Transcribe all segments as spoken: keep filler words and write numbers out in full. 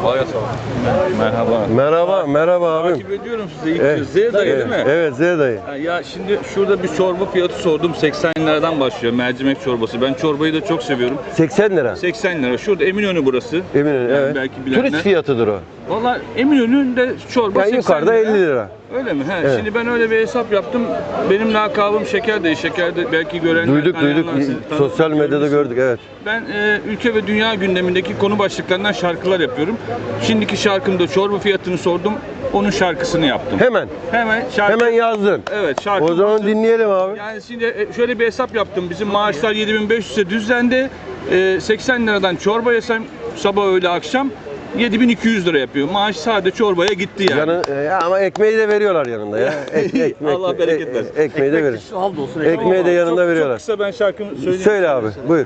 Kolay gelsin. Merhaba. Merhaba, merhaba abim. Takip ediyorum sizi ilk Evet. kez. Z dayı değil mi? Evet, Z dayı. Ha, Ya şimdi şurada bir çorba fiyatı sordum. seksen liradan başlıyor mercimek çorbası. Ben çorbayı da çok seviyorum. seksen lira. seksen lira. Şurada Eminönü burası. Eminönü, Yani evet. belki bilenler. Turist fiyatıdır o. Valla Eminönü'nde çorba Yani seksen yukarıda lira. elli lira. Öyle mi? He. Evet. Şimdi ben öyle bir hesap yaptım. Benim lakabım Şeker Dayı. Şeker de belki görenler Duyduk duyduk. tanıyanlar, siz Sosyal tanı- medyada görmüşsünüz. gördük, evet. Ben e, ülke ve dünya gündemindeki konu başlıklarından şarkılar yapıyorum. Şimdiki şarkımda çorba fiyatını sordum. Onun şarkısını yaptım. Hemen. Hemen şarkı. Hemen yazdın. Evet, şarkı. O zaman dinleyelim abi. Yani şimdi e, şöyle bir hesap yaptım. Bizim maaşlar yedi bin beş yüze düzlendi. E, seksen liradan çorba yesem sabah öğle akşam yedi bin iki yüz lira yapıyor. Maaş sadece çorbaya gitti yani. Yanı, e, ama ekmeği de veriyorlar yanında ya. Ek, ekmek, Allah bereket versin. e, ekmeği de verir. Ekmeği de yanında çok, veriyorlar. Çok kısa ben şarkımı söyleyeyim. Söyle abi, buyur.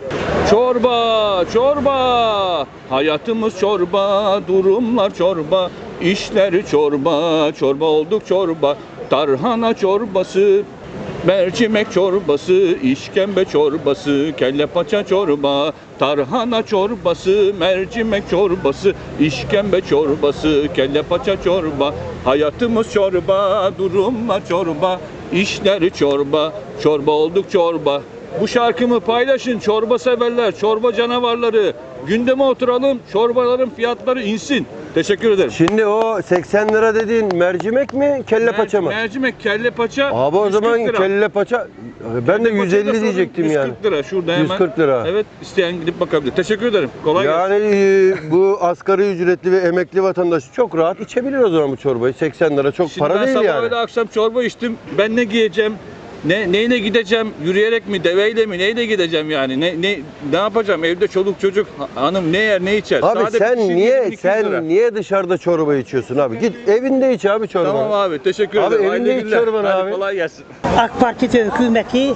Çorba, çorba, hayatımız çorba, durumlar çorba, işleri çorba, çorba olduk çorba, tarhana çorbası, mercimek çorbası, işkembe çorbası, kelle paça çorba, tarhana çorbası, mercimek çorbası, işkembe çorbası, kelle paça çorba, hayatımız çorba, durumlar çorba, işleri çorba, çorba olduk çorba. Bu şarkımı paylaşın çorba severler, çorba canavarları. Gündeme oturalım, çorbaların fiyatları insin. Teşekkür ederim. Şimdi o seksen lira dediğin mercimek mi, kelle paça mı? Mercimek, kelle paça. Abi o zaman yüz kırk lira. kelle paça, ben de Kelle yüz paçayı da elli sorun, diyecektim yani. yüz kırk lira şurada hemen. yüz kırk lira. Evet, isteyen gidip bakabilir. Teşekkür ederim. Kolay gelsin. Yani e, bu asgari ücretli ve emekli vatandaş çok rahat içebilir o zaman bu çorbayı. seksen lira çok Şimdi para ben değil sabah yani. öyle akşam çorba içtim. Ben ne giyeceğim? Ne neyle gideceğim? Yürüyerek mi, deveyle mi? Neyle gideceğim yani? Ne ne ne yapacağım? Evde çoluk çocuk, hanım ne yer, ne içer? Abi Sade sen bir şey niye yedi bin iki yüz lira. sen niye dışarıda çorba içiyorsun abi? Git evinde iç abi çorbanı. Tamam abi, teşekkür Abi ederim. evinde Hayırlı iç günler. çorbanı Hadi abi. kolay gelsin. AK Parti hükümeti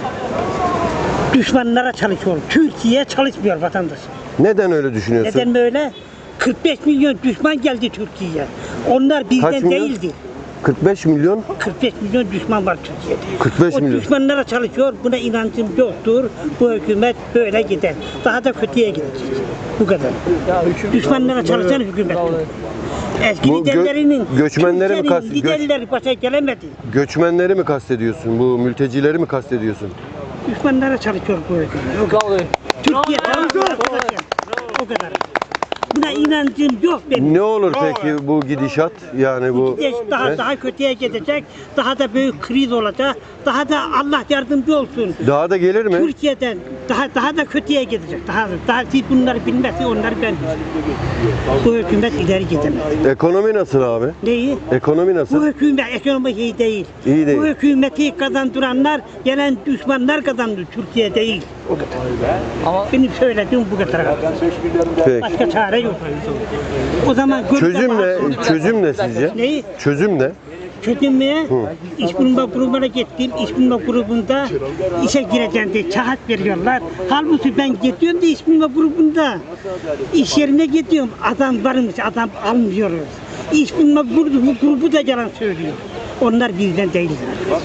düşmanlara çalışıyor. Türkiye'ye çalışmıyor vatandaş. Neden öyle düşünüyorsun? Neden böyle? kırk beş milyon düşman geldi Türkiye'ye. Onlar Kaç bizden milyon? değildi. kırk beş milyon. kırk beş milyon düşman var Türkiye'de. kırk beş o milyon. düşmanlara çalışıyor. Buna inancım yoktur. Bu hükümet böyle gider. Daha da kötüye gidecek. Bu kadar. Düşmanlara çalışan hükümet. Eski Bu gö- liderlerinin, göçmenleri mi Türkiye'nin kast- göç- liderleri başa gelemedi. Göçmenleri mi kastediyorsun? Bu mültecileri mi kastediyorsun? Düşmanlara çalışıyor bu hükümet. O kadar. Türkiye çalışıyor arkadaşlar. O kadar. Buna inancım yok benim. Ne olur peki bu gidişat? Yani bu Gidecek, daha He? daha kötüye gidecek. Daha da büyük kriz olacak. Daha da Allah yardımcı olsun. daha da gelir mi? Türkiye'den daha daha da kötüye gidecek. Daha daha siz bunları bilmezsiniz, onları ben. Bu hükümet ileri gidemez. Ekonomi nasıl abi? Neyi? Ekonomi Bu nasıl? hükümet ekonomi iyi değil. İyi değil. Bu hükümeti kazandıranlar gelen düşmanlar kazandı. Türkiye değil. O kadar. Ama benim söylediğim bu kadar. Peki. Başka çare yok. O zaman Çözüm ne? Çözüm ne sizce? Neyi? Çözüm ne? Çözülmeye iş bulma grubuna gittim. İş bulma grubunda işe gireceğim diye kağıt veriyorlar. Halbuki ben gidiyorum da iş bulma grubunda. İş yerine gidiyorum. Adam varmış, adam almıyoruz. İş bulma grubu, grubu da yalan söylüyor. Onlar bizden değiller.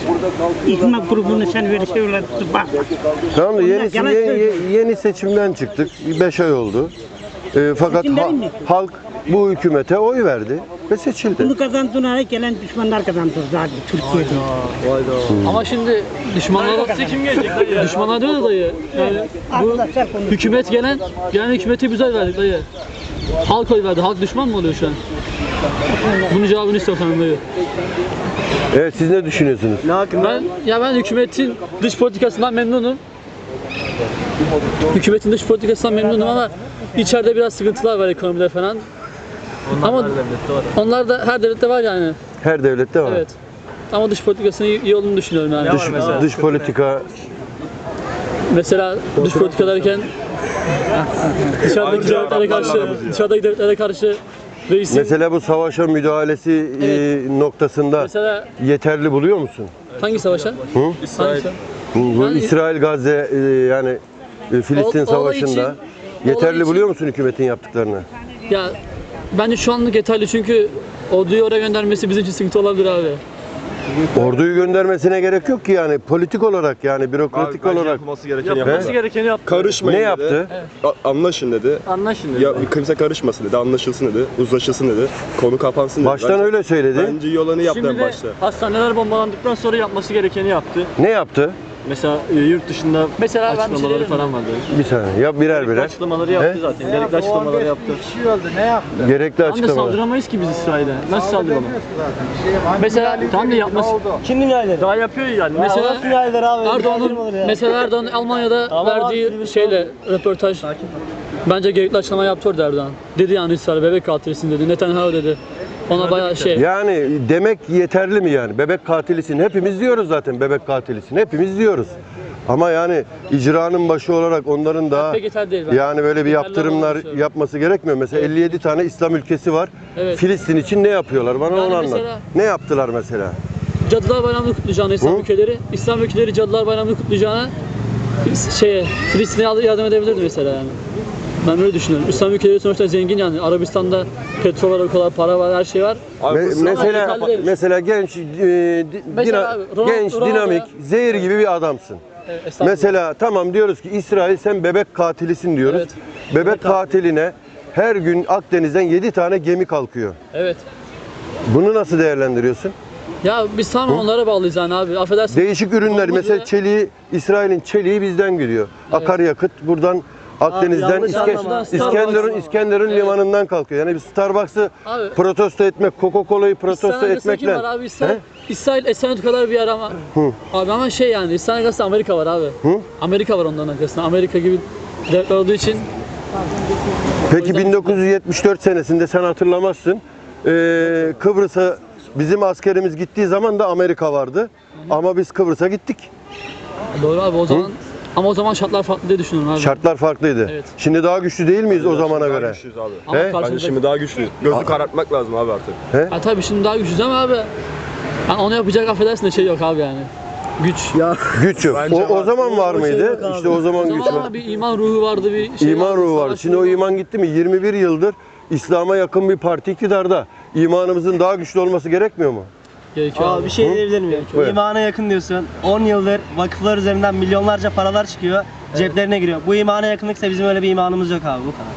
İş bulma grubunu sen öyle söyle bak. Tamam da Onlar yeni, yalan yeni, söylüyor. yeni seçimden çıktık. beş ay oldu. Ee, fakat Seçimden ha- mi? halk bu hükümete oy verdi ve seçildi. Bunu kazandığına gelen düşmanlar kazandı zaten Türkiye'de. Ama şimdi düşmanlar kim gelecek dayı? Düşmanlar diyor da dayı. Yani bu Arkadaşlar konuşuyor. hükümet gelen gelen hükümete biz oy verdik dayı. Halk oy verdi. Halk düşman mı oluyor şu an? Bunun cevabını istiyorum dayı. Evet, siz ne düşünüyorsunuz? Ben ya ben hükümetin dış politikasından memnunum. Hükümetin dış politikasından memnunum ama içeride biraz sıkıntılar var ekonomide falan. Ama onlar da her devlette var yani. Her devlette var. Evet. Ama dış politikasının iyi, iyi olduğunu düşünüyorum yani. Dış, dış politika Mesela dış politika derken dışarıdaki devletlere karşı, dışarıdaki devletlere karşı reisin mesela bu savaşa müdahalesi Evet. e, noktasında mesela yeterli buluyor musun? hangi savaşa? Hı? İsrail. Bu, bu Yani- İsrail Gazze e, yani e, Filistin O- olay savaşında için- yeterli olay için- buluyor musun hükümetin yaptıklarını? Ya bence şu anlık yeterli çünkü orduyu oraya göndermesi bizim için sıkıntı olabilir abi. Orduyu göndermesine gerek yok ki yani politik olarak yani bürokratik Abi, bence olarak. yapılması gerekeni He? yapması. Yapması gerekeni yaptı. Karışmayın Ne dedi. yaptı? A- Anlaşın dedi. Anlaşın dedi. Ya kimse karışmasın dedi, anlaşılsın dedi, uzlaşılsın dedi, konu kapansın dedi. Baştan Bence- öyle söyledi. Bence iyi olanı yaptı Şimdi en de başta. hastaneler bombalandıktan sonra yapması gerekeni yaptı. Ne yaptı? Mesela e, yurt dışında mesela açıklamaları şey diyeyim falan vardı. Bir saniye. Yap birer birer. Açıklamaları yaptı He? zaten. Gerekli açıklamaları yaptı. Gerekli Tam da açıklamalar. saldıramayız ki biz İsrail'e. Nasıl saldıralım? Mesela tam da yapması. Kim dünyayları? Daha yapıyor yani. Mesela dünyayları abi. Erdoğan'ın mesela Erdoğan Almanya'da verdiği şeyle röportaj bence gerekli açıklama yaptı orada Erdoğan. Dedi yani İsrail bebek katilisin dedi. Netanyahu dedi. Ona bayağı şey. Yani demek yeterli mi yani? Bebek katilisin. Hepimiz diyoruz zaten bebek katilisin. Hepimiz diyoruz. Ama yani icranın başı olarak onların daha Pek yeterli değil. bence. yani böyle bir Yeterli yaptırımlar olmadığını düşünüyorum. yapması gerekmiyor. Mesela elli yedi tane İslam ülkesi var. Evet. Filistin için ne yapıyorlar? Bana Yani onu anlat. mesela- Ne yaptılar mesela? Cadılar Bayramı'nı kutlayacağına İslam Hı? ülkeleri, İslam ülkeleri Cadılar Bayramı'nı kutlayacağına şeye Filistin'e yardım edebilirdi mesela yani. Ben öyle düşünüyorum. İslam ülkeleri sonuçta zengin yani. Arabistan'da petrol var, o kadar para var, her şey var. Abi, Me- bu- mesela yeterli değil. mesela genç e, di- Mesela dina- abi, Ronald- genç Ronaldo dinamik ya. zehir gibi bir adamsın. Evet, estağfurullah. Mesela tamam diyoruz ki İsrail sen bebek katilisin diyoruz. Evet. Bebek katiline her gün Akdeniz'den yedi tane gemi kalkıyor. Evet. Bunu nasıl değerlendiriyorsun? Ya biz tamamen onlara bağlıyız yani abi. Affedersin. Değişik ürünler Olmaz mesela ya. çeliği, İsrail'in çeliği bizden geliyor. Akaryakıt buradan Akdeniz'den yanlış İske- anlama. İskenderun Starbucks- İskenderun Evet. limanından kalkıyor. Yani bir Starbucks'ı Abi, protesto etmek, Coca-Cola'yı protesto İsrail arasında kim etmekle. var abi? İsrail, He? İsrail Esenyurt kadar bir yer ama. Hı. Abi ama şey yani İsrail arasında Amerika var abi. Hı? Amerika var onların arkasında. Amerika gibi devletler olduğu için Peki bin dokuz yüz yetmiş dört senesinde sen hatırlamazsın. Ee, Kıbrıs'a bizim askerimiz gittiği zaman da Amerika vardı. Ama biz Kıbrıs'a gittik. doğru abi o zaman ama o zaman şartlar farklı diye düşünüyorum abi. Şartlar farklıydı. Evet. Şimdi daha güçlü değil miyiz o zamana Daha göre? güçlüyüz abi. Ama He? Bence karşımızda- şimdi daha güçlüyüz. Gözü karartmak lazım abi artık. Ha tabii şimdi daha güçlüyüz ama abi. Yani onu yapacak affedersin de şey yok abi yani. Güç. Güç yok. Bence O, o var. zaman var mıydı? İşte o zaman O güç zaman var. ama bir iman ruhu vardı bir şey İman ruhu vardı. savaş Şimdi o ruhu iman gitti mi? yirmi bir yıldır İslam'a yakın bir parti iktidarda. İmanımızın daha güçlü olması gerekmiyor mu? gerekiyor Abi abi. bir şey diyebilir miyim? Buyur. İmana yakın diyorsun. on yıldır vakıflar üzerinden milyonlarca paralar çıkıyor. Ceplerine giriyor. Bu imana yakınlıksa bizim öyle bir imanımız yok abi. Bu kadar.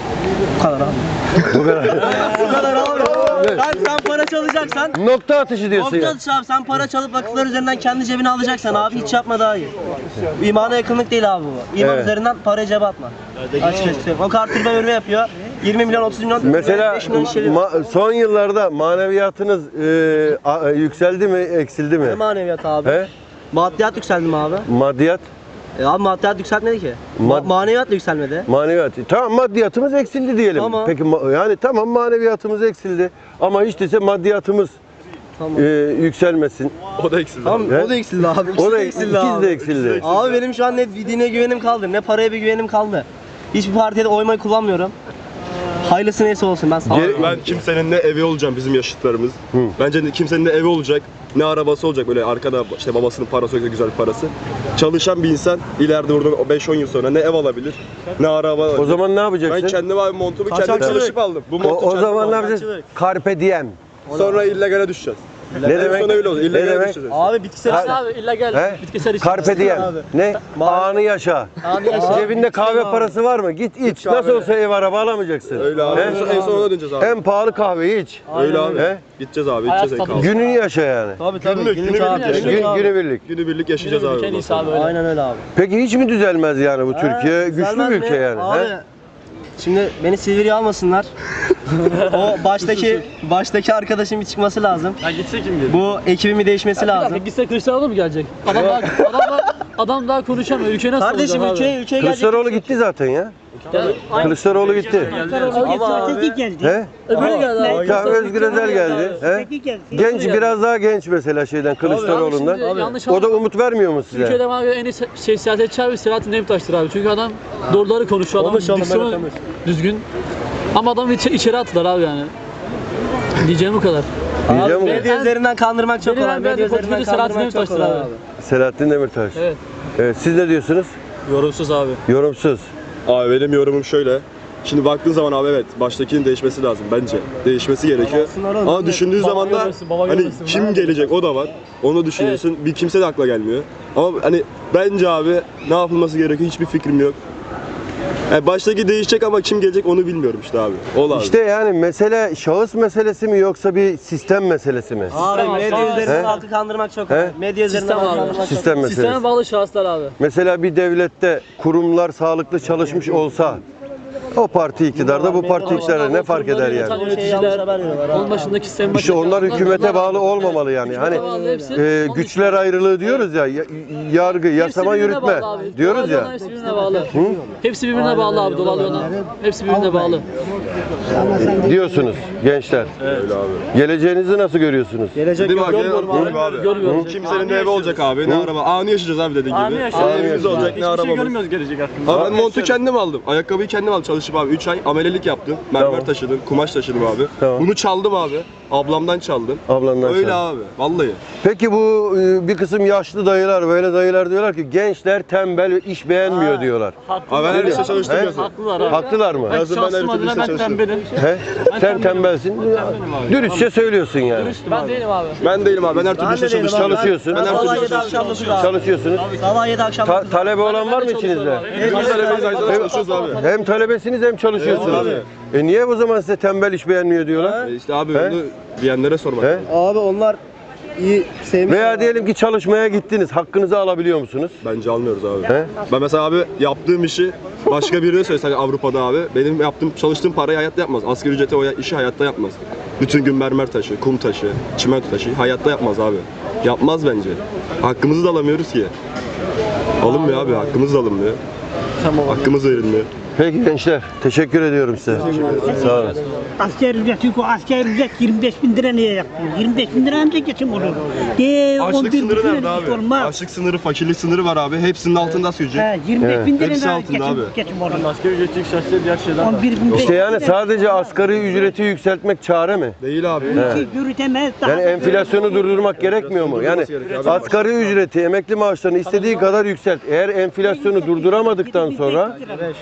Bu kadar abi. Bu kadar. Bu kadar abi. Sen, sen para çalacaksan Nokta atışı diyorsun ya. Olmaz abi, sen para çalıp vakıflar üzerinden kendi cebine alacaksan abi hiç yapma daha iyi. İmana yakınlık değil abi bu. İman Evet. üzerinden parayı cebe atma. Açıkçası söyleyeyim. O kartürbe örme yapıyor. yirmi milyon otuz milyon Mesela beş milyon işleri ma- son yıllarda maneviyatınız e, a- yükseldi mi, eksildi mi? Ne maneviyat abi? He? Maddiyat yükseldi mi abi? Maddiyat, E abi maddiyat yükseltmedi ki. Mad- Ma- maneviyat da yükselmedi. maneviyat. Tamam maddiyatımız eksildi diyelim. Tamam. Peki ma- yani tamam maneviyatımız eksildi ama hiç değilse maddiyatımız Tamam. e, yükselmesin. O da eksildi. Tamam He? o da eksildi abi. O İkisi da de ikisi eksildi abi. de eksildi. Abi benim şu an ne dine güvenim kaldı, ne paraya bir güvenim kaldı. Hiçbir partiye de oymayı kullanmıyorum. Hayırlısı neyse olsun ben sağ Geri- Ben kimsenin ne evi olacağım bizim yaşıtlarımız. Hı. Bence kimsenin ne evi olacak, ne arabası olacak böyle arkada işte babasının parası yoksa güzel bir parası. Çalışan bir insan ileride buradan beş on yıl sonra ne ev alabilir, ne araba alabilir. O zaman ne yapacaksın? ben kendime abi montumu kendim Kaçakçılık. çalışıp aldım. Bu o, montu o kendim zaman ne aldım. yapacaksın? Carpe diem. Sonra illegale düşeceğiz. Ne En demek? son öyle olur. Ne İllegale demek? düşeceğiz. Abi bitkisel Yani abi illa gel. He? Bitkisel için. Carpe diem. abi. Ne? Anı yaşa. Anı yaşa. Cebinde kahve parası var mı? Git iç. kahve. Nasıl olsa ev araba alamayacaksın. Öyle abi. He? En son, en son ona döneceğiz abi. En pahalı kahveyi iç. Öyle abi. He? Gideceğiz abi. Hayat Gideceğiz en tadı. kaldı. Gününü yaşa yani. Tabii tabii. Günlük, günlük günlük abi, yaşayacağız. günlük Gün, abi. günübirlik. Günübirlik yaşayacağız abi. En bundan iyisi sonra. abi öyle. Aynen öyle abi. Peki hiç mi düzelmez yani bu Türkiye? He, Güçlü güzelmez bir ülke mi? yani. Abi, he? şimdi beni Silivri'ye almasınlar. O baştaki baştaki arkadaşın bir çıkması lazım. Ya gitse kim gelir? Bu ekibimi değişmesi Bir dakika, lazım. gitse Kılıçdaroğlu mu gelecek? Adam daha, adam daha, adam daha konuşamıyor. Ülke nasıl Kardeşim olacak ülkeye abi? ülkeye gelecek. Kılıçdaroğlu gitti zaten ya. Yani, Kılıçdaroğlu gitti. Ama abi- Öteki geldi. He? öbürü geldi abi. Ne? Tamam Özgür Özel geldi. He? Öteki geldi. Genç biraz daha genç mesela şeyden Kılıçdaroğlu'ndan. Abi şimdi yanlış O da anlama. umut vermiyor mu size? Türkiye'de bana göre en iyi se- şey, siyasetçi abi Selahattin Demirtaş'tır abi. Çünkü adam doğruları konuşuyor. Adam Konuş oğlum, diksiyonu evet, konuş. düzgün. Ama adamı içe, içeri attılar abi yani. Diyeceğim bu kadar. Diyeceğim Abi mi? medya üzerinden kandırmak çok Benim kolay. ben Medya beğendiğim üzerinden politikacı Selahattin kandırmak çok Demirtaş'tır kolay abi. abi. Selahattin Demirtaş. Evet. Evet, siz ne diyorsunuz? Yorumsuz abi. Yorumsuz. Abi benim yorumum şöyle. Şimdi baktığın zaman abi evet baştakinin değişmesi lazım bence. Değişmesi gerekiyor. Alsınlar oğlum. Ama düşündüğün Baba zaman da görmesin, baba hani görmesin. kim gelecek o da var. Onu düşünüyorsun. Bir kimse de akla gelmiyor. Ama hani bence abi ne yapılması gerekiyor hiçbir fikrim yok. Yani baştaki değişecek ama kim gelecek onu bilmiyorum işte abi. O lazım. İşte yani mesele şahıs meselesi mi yoksa bir sistem meselesi mi? Abi Sistem medya abi. üzerinden He? halkı kandırmak çok He? kolay. Medya üzerinden Sistem halkı abi. kandırmak çok Sistem meselesi. Sisteme bağlı şahıslar abi. Mesela bir devlette kurumlar sağlıklı çalışmış olsa o parti iktidarda bu parti iktidarda ne fark eder yani? Yöneticiler, onun başındaki sistem İşte onlar hükümete bağlı olmamalı yani. Hani e, güçler ayrılığı diyoruz ya, ya- yargı, yasama, yürütme diyoruz ya. Hepsi birbirine bağlı. Hepsi birbirine bağlı abi dolaylı ona. Hepsi birbirine bağlı. Diyorsunuz gençler. Öyle abi. Geleceğinizi nasıl görüyorsunuz? Gelecek Değil mi yok. abi? Görmüyorum abi. Görmüyorum. Kimsenin ne evi olacak abi, ne araba. Anı yaşayacağız abi dediğin gibi. Anı Ne yaşayacağız. evimiz olacak, ne arabamız. gelecek hakkında. Abi ben montu kendim aldım. Ayakkabıyı kendim aldım çalışıp abi. üç ay amelelik yaptım. Mermer Tamam. taşıdım, kumaş taşıdım abi. Tamam. Bunu çaldım abi. Ablamdan çaldım. Ablandan Öyle çaldın. abi. Vallahi. Peki bu e, bir kısım yaşlı dayılar, böyle dayılar diyorlar ki gençler tembel ve iş beğenmiyor diyorlar. Abi ben her işte çalıştım He? yazın. Haklılar abi. Haklılar mı? Yazın ben her türlü işte çalıştım. He? Sen tembelsin. Dürüstçe söylüyorsun yani. Ben değilim abi. Ben değilim abi. Ben her türlü Ben işte de değilim abi. çalıştım. Çalışıyorsun. Ben her Sabah türlü yedi akşam dokuz abi. Çalışıyorsunuz. Sabah yedi akşam Ta- dokuz. talebe olan var mı içinizde? Biz talebeyiz aynı zamanda çalışıyoruz abi. Hem talebesiniz hem çalışıyorsunuz. Evet E niye o zaman size tembel iş beğenmiyor diyorlar? E İşte abi He? bunu diyenlere sormak. He? Abi onlar iyi sevmiş. Veya diyelim ki çalışmaya gittiniz. Hakkınızı alabiliyor musunuz? Bence almıyoruz abi. He? Ben mesela abi yaptığım işi başka birine söylesen Avrupa'da abi benim yaptığım çalıştığım parayı hayatta yapmaz. Asgari ücrete o işi hayatta yapmaz. Bütün gün mermer taşı, kum taşı, çimento taşı hayatta yapmaz abi. Yapmaz bence. Hakkımızı da alamıyoruz ki. Alınmıyor abi, hakkımız da alınmıyor. Hakkımız verilmiyor. Peki gençler, teşekkür ediyorum size. Sağ olun. Asker ücret yok. Asker ücret yirmi beş bin lira niye yaptın? yirmi beş bin lira ancak geçim olur. De, on Açlık bir sınırı bin nerede lira abi? olmaz. Açlık sınırı, fakirlik sınırı var abi. Hepsinin altında asgari ücret. He, yirmi beş bin lira Hepsi da altında geçim, abi. geçim olur. Asgari ücret yükseltse diğer şeyler on bir bin İşte yani sadece asgari ücreti yükseltmek çare mi? Değil abi. yürütemez. Daha Yani enflasyonu durdurmak gerekmiyor mu? Yani asgari ücreti, emekli maaşlarını istediği kadar yükselt. Eğer enflasyonu durduramadıktan sonra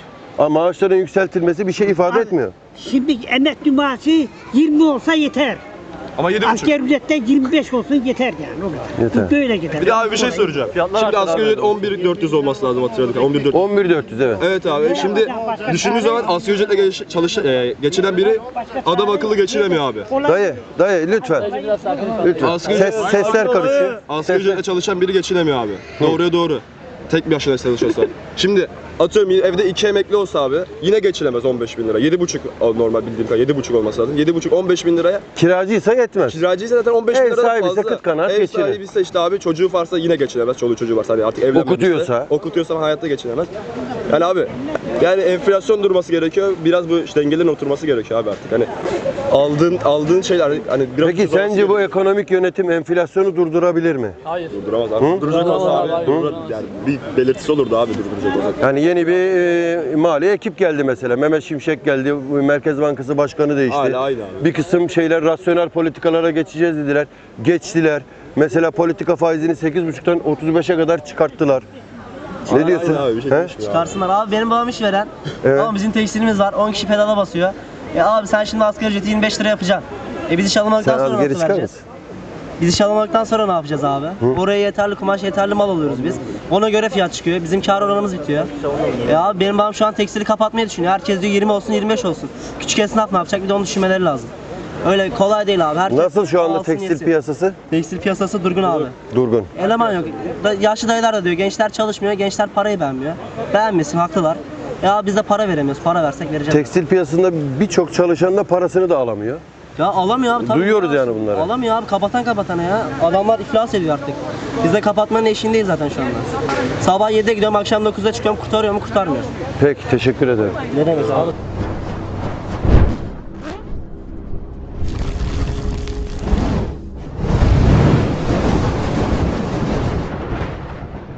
ama maaşların yükseltilmesi bir şey ifade etmiyor. Şimdi emekli maaşı yirmi olsa yeter. Ama yedi buçuk. Asker ücrette yirmi beş olsun yeter yani. O kadar. Yeter. Bu böyle gider. Bir de abi bir şey soracağım. Şimdi asgari ücret on bir bin dört yüz olması lazım hatırladık. on bir bin dört yüz. on bir bin dört yüz evet. Evet abi şimdi düşündüğün zaman asgari ücretle geç, çalış, e, geçinen biri adam akıllı geçinemiyor abi. Dayı, dayı lütfen. Biraz sakin ol. Lütfen. Asgari Ses, ücret- sesler karışıyor. Asgari ücretle çalışan biri geçinemiyor abi. Doğruya doğru. Tek bir yaşına çalışıyorsa. Şimdi atıyorum evde iki emekli olsa abi yine geçinemez on beş bin lira. yedi buçuk normal bildiğim kadar yedi buçuk olması lazım. yedi buçuk on beş bin liraya. Kiracıysa yetmez. Kiracıysa zaten on beş bin Ev lira da sahibiyse fazla. kıt kanaat Ev geçinir. sahibiyse işte abi çocuğu varsa yine geçinemez. Çoluğu çocuğu varsa hani artık evlenmemişse. Okutuyorsa. Okutuyorsa hayatta geçinemez. Yani abi yani enflasyon durması gerekiyor. Biraz bu işte dengelerin oturması gerekiyor abi artık. Hani aldığın aldığın şeyler hani biraz Peki ucuz olması sence bu gerekiyor. ekonomik yönetim enflasyonu durdurabilir mi? Hayır. Durduramaz abi. Durduracak Durduramaz olsa abi, abi. durdur- Yani bir belirtisi olurdu abi durduracak olsa. Yani yeni bir e, mali ekip geldi mesela. Mehmet Şimşek geldi. bu Merkez Bankası Başkanı değişti. Hala aynı abi. Bir kısım şeyler rasyonel politikalara geçeceğiz dediler. Geçtiler. Mesela politika faizini sekiz buçuktan otuz beşe kadar çıkarttılar. Ne Aynen diyorsun? abi, bir şey He? değişmiyor abi. Çıkarsınlar abi benim babam işveren. Evet. Ama bizim tekstilimiz var on kişi pedala basıyor. E abi sen şimdi asgari ücreti yirmi beş lira yapacaksın. E biz iş alamadıktan Sen sonra az nasıl geri çıkar vereceğiz? mısın? Biz iş alamadıktan sonra ne yapacağız abi? Oraya yeterli kumaş, yeterli mal alıyoruz biz. Ona göre fiyat çıkıyor. Bizim kar oranımız bitiyor. E abi benim babam şu an tekstili kapatmayı düşünüyor. Herkes diyor yirmi olsun, yirmi beş olsun. Küçük esnaf ne yapacak? Bir de onu düşünmeleri lazım. Öyle kolay değil abi. Herkes Nasıl şu anda alsın, tekstil yesin. piyasası? Tekstil piyasası durgun abi. Durgun. Eleman yok. Da- Yaşlı dayılar da diyor gençler çalışmıyor, gençler parayı beğenmiyor. Beğenmesin, haklılar. Ya biz de para veremiyoruz. Para versek vereceğiz. Tekstil piyasasında birçok çalışan da parasını da alamıyor. Ya alamıyor abi. tabii. Duyuyoruz yani bunları. Alamıyor abi. Kapatan kapatana ya. Adamlar iflas ediyor artık. Biz de kapatmanın eşiğindeyiz zaten şu anda. Sabah yedide gidiyorum, akşam dokuzda çıkıyorum. Kurtarıyor mu? Kurtarmıyor. Peki teşekkür ederim. Ne demek abi?